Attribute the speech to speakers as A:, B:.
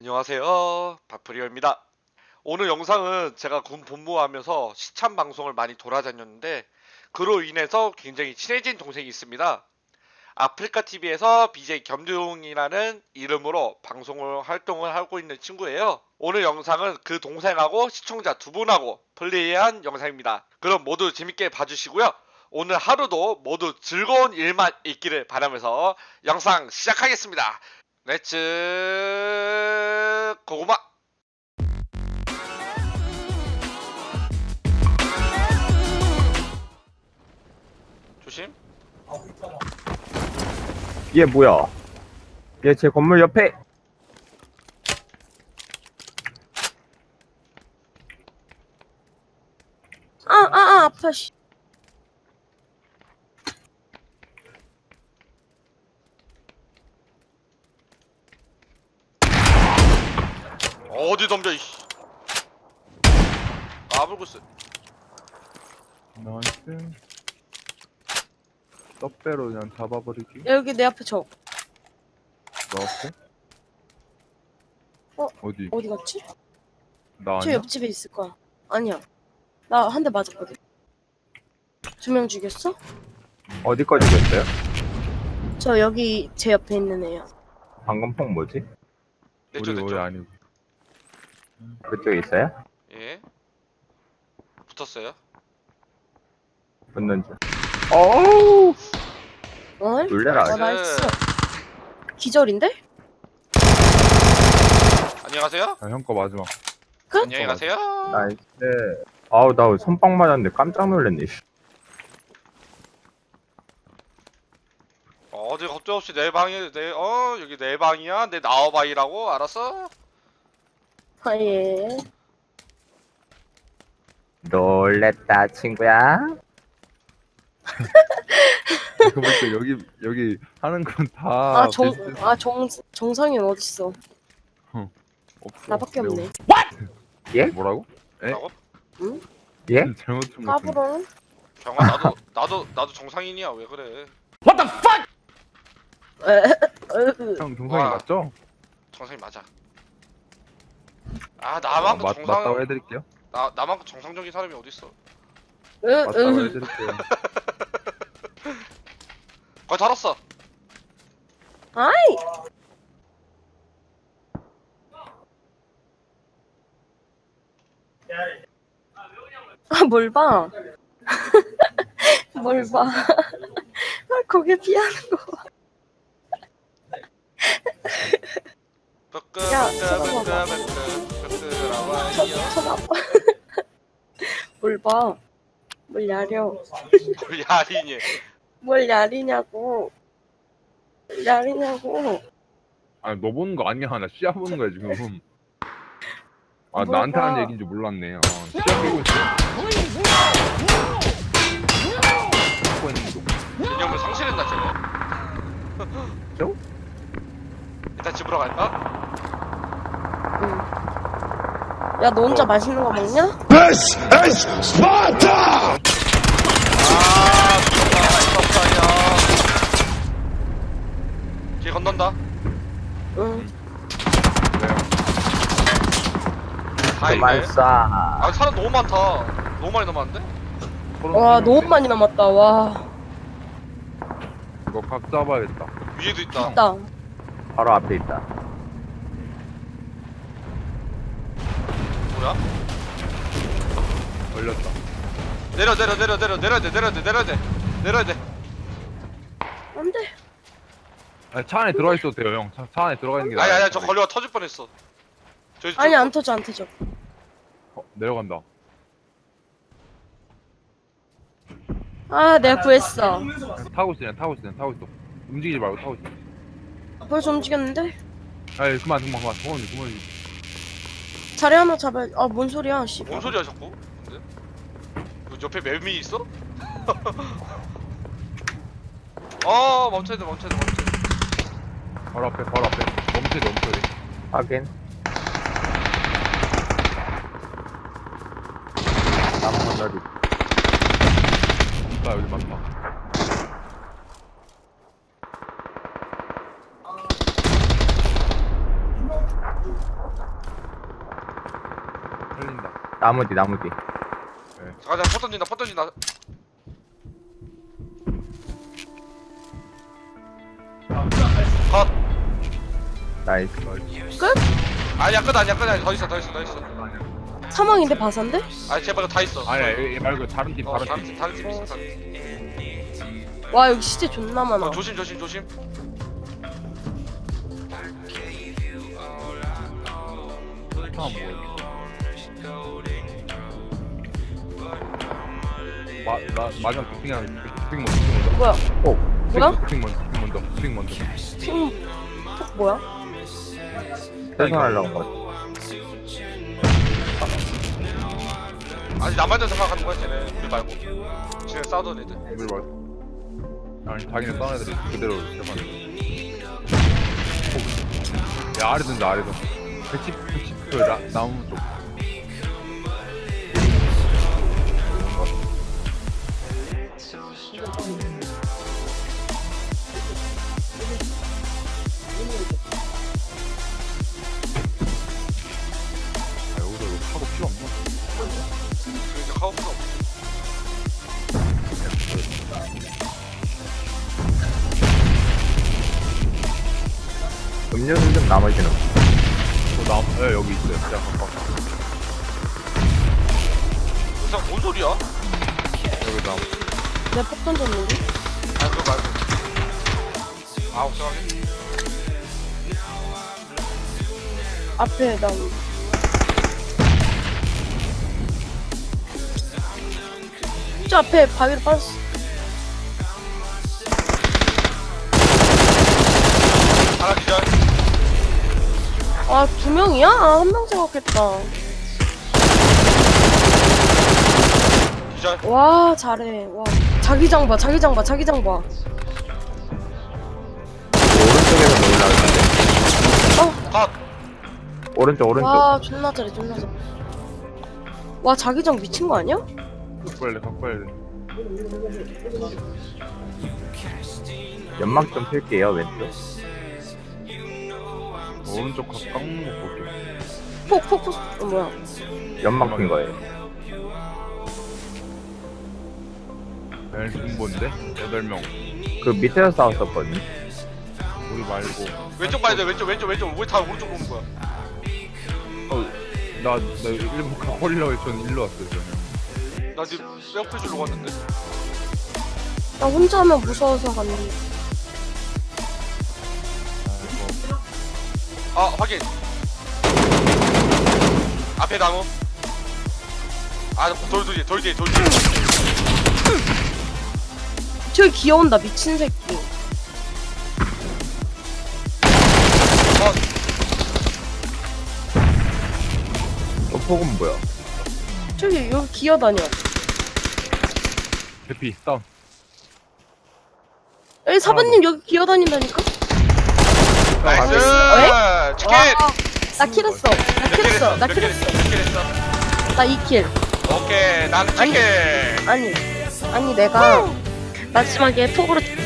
A: 안녕하세요. 바프리오입니다. 오늘 영상은 제가 군 복무하면서 시참 방송을 많이 돌아다녔는데 그로 인해서 굉장히 친해진 동생이 있습니다. 아프리카 TV에서 BJ 겸중이라는 이름으로 활동을 하고 있는 친구예요. 오늘 영상은 그 동생하고 시청자 두 분하고 플레이한 영상입니다. 그럼 모두 재밌게 봐주시고요. 오늘 하루도 모두 즐거운 일만 있기를 바라면서 영상 시작하겠습니다. 렛츠 고구마. 조심.
B: 얘 뭐야? 얘 제 건물 옆에.
C: 아파, 씨.
A: 어디 덤벼 이씨. 아불구스.
D: 나이스. 떡배로 그냥 잡아버리기.
C: 여기 내 앞에 저.
D: 넣었고. 어디?
C: 어디 갔지?
D: 나
C: 저
D: 아니야?
C: 옆집에 있을 거야. 아니야. 나 한 대 맞았거든. 2명 죽였어?
B: 어디까지 됐어요?
C: 저 여기 제 옆에 있는 애야.
B: 방금 폭 뭐지?
A: 내쪽
D: 우리
A: 내쪽.
D: 아니고.
B: 그쪽에 있어요?
A: 예. 붙었어요.
B: 붙는 중. 어우!
C: 어?
B: 놀래라.
C: 아, 나이스. 기절인데?
A: 안녕히 가세요.
D: 아, 형 거 마지막.
C: 끝?
A: 안녕히 가세요.
B: 나이스. 아우, 나 손빵 맞았는데 깜짝 놀랐네. 씨.
A: 어디 겁도 없이 내 방이 여기 내 방이야. 내 나와봐이라고 알았어?
C: 아, 예.
B: 놀랬다, 친구야.
D: 이거 볼때 여기 하는 건 다.
C: 정상현 어딨어?
D: 없어.
C: 나밖에
D: 내가
C: 없네.
B: 예?
D: 뭐라고? 에?
A: 라고?
B: 예?
D: 잘못 좀 같은.
C: 까불어?
A: 경아 나도 정상인이야. 왜 그래?
D: 형 동상이
A: 와.
D: 맞죠?
A: 정상인 맞아. 아 나만큼
D: 맞다고 해드릴게요.
A: 나만큼 정상적인 사람이 어딨어?
D: 맞다고 해드릴게요.
A: 거의 달았어.
C: 아이! 아, 뭘 봐? 뭘 봐? 아, 거기에 피하는 거 봐. 야, 쳐다봐봐. 쳐다봐. 뭘 봐? 뭘 야려?
A: 뭘 야리니?
C: 뭘 야리냐고? 뭘 야리냐고?
D: 아니 너 보는 거 아니야. 나 시야 보는 거야 지금. 아
C: 뭘
D: 나한테
C: 봐.
D: 하는 얘기인 줄 몰랐네. 시야 보고 있어. 보고 있는 거.
A: 개념을 상실했나 쟤네?
D: 저?
A: 일단 집으로 갈까?
C: 응. 야, 너 혼자 맛있는 거 먹냐?
A: 아 정말 이거 길 건넌다.
C: 응.
D: 왜요?
A: 다
B: 그만
A: 있네.
B: 쏴.
A: 아 사람 너무 많다. 너무 많이 남았는데?
C: 와, 너무 많이 남았다. 와,
D: 이거 각 잡아야겠다.
A: 위에도 있다.
C: 있다.
B: 바로 앞에 있다.
A: 뭐야?
D: 걸렸다.
A: 내려야 돼.
C: 안 돼.
D: 아니, 차 안에 들어가 있어도 돼요, 형. 차 안에 들어가 있는 게 나아요.
A: 아니 저 걸려가 터질 뻔했어.
C: 아니, 안 터져, 안 터져.
D: 내려간다.
C: 아, 내가 구했어.
D: 그냥 타고 있어. 움직이지 말고 타고 있어.
C: 벌써 움직였는데?
D: 아이, 그만.
C: 자리 하나 잡아야. 아, 뭔 소리야, 씨.
A: 뭔 소리야 자꾸? 근데? 너 옆에 매미 있어? 멈춰야 돼.
D: 바로 앞에. 멈춰야 돼.
B: 확인. 남은 나도.
D: 나 여기 많다. 살린다.
B: 나무 뒤 나무 뒤.
A: 가자, 포 던진다, 포 던진다. 컷.
B: 나이스.
C: 끝?
A: 아니야, 끝 아니야, 끝 아니야. 더 있어, 더 있어, 더 있어.
C: 사망인데 바산데?
A: 아니, 제발 다 있어.
D: 아니야 얘 말고 다른 팀 다른
A: 다른
D: 팀.
A: 팀, 다른 팀 있어, 다른 팀.
C: 와 여기 시체 존나 많아.
A: 조심, 조심, 조심.
D: 아 뭐야. 마지막 빅핑 먼저.
C: 뭐야? 뭐야?
D: 빅핑 먼저.
C: 핑 뭐야?
B: 생선하려고 한 거.
A: 아니, 나만 생각하는 거야, 쟤네. 우리 말고. 쟤네 싸우던 애들.
D: 우리 말. 아니 자기네 싸운 애들이 그대로 대만. 야 아래 든다 아래도. 110 그 나무 쪽. 아 여기서 이거 하고 필요 없나?
A: 이제 카우스가 없어.
B: 음료수 좀 나머지는.
D: 나무 여기 있어요. 진짜 가까워.
A: 이상 뭔 소리야?
D: 여기 나무.
C: 내가 폭 던졌는데?
A: 아, 그거 말고. 아, 걱정하게.
C: 앞에 나무. 저 앞에 바위로 빠졌어.
A: 하나 기절.
C: 아, 2명이야? 아, 1명 생각했다.
A: 기절.
C: 와, 잘해. 와. 자기장 봐, 자기장 봐, 자기장 봐.
B: 오른쪽에서 올라오는데.
A: 컷.
B: 오른쪽.
C: 와, 존나 잘해, 존나 잘해. 와, 자기장 미친 거 아니야?
D: 각벌래.
B: 연막 좀 필게요 왼쪽.
D: 오른쪽 깎는 거 볼게.
C: 폭. 뭐야.
B: 연막 핀 거예요.
D: 벨 중본데 8명.
B: 그 밑에서 싸웠었거든요.
D: 우리 말고.
A: 왼쪽 봐야 돼, 왼쪽. 왜 다 오른쪽 보는 거야?
D: 나 일본 각벌이라고 해서 저는 일로 왔어요. 저는.
A: 나 지금 뼈풀 주러 갔는데.
C: 나 혼자 하면 무서워서 갔는데.
A: 아, 확인. 앞에 나무. 아, 돌 뒤에.
C: 저기 기어온다, 미친 새끼.
B: 저 폭은 뭐야?
C: 저기 여기 기어다녀.
D: 대피 다운.
C: 여기 사부님 여기 기어다닌다니까?
A: 나이스. 치킨.
C: 나 킬했어. 나 킬했어. 나 2킬.
A: 오케이, 난 치킨.
C: 아니 내가 마지막에 폭으로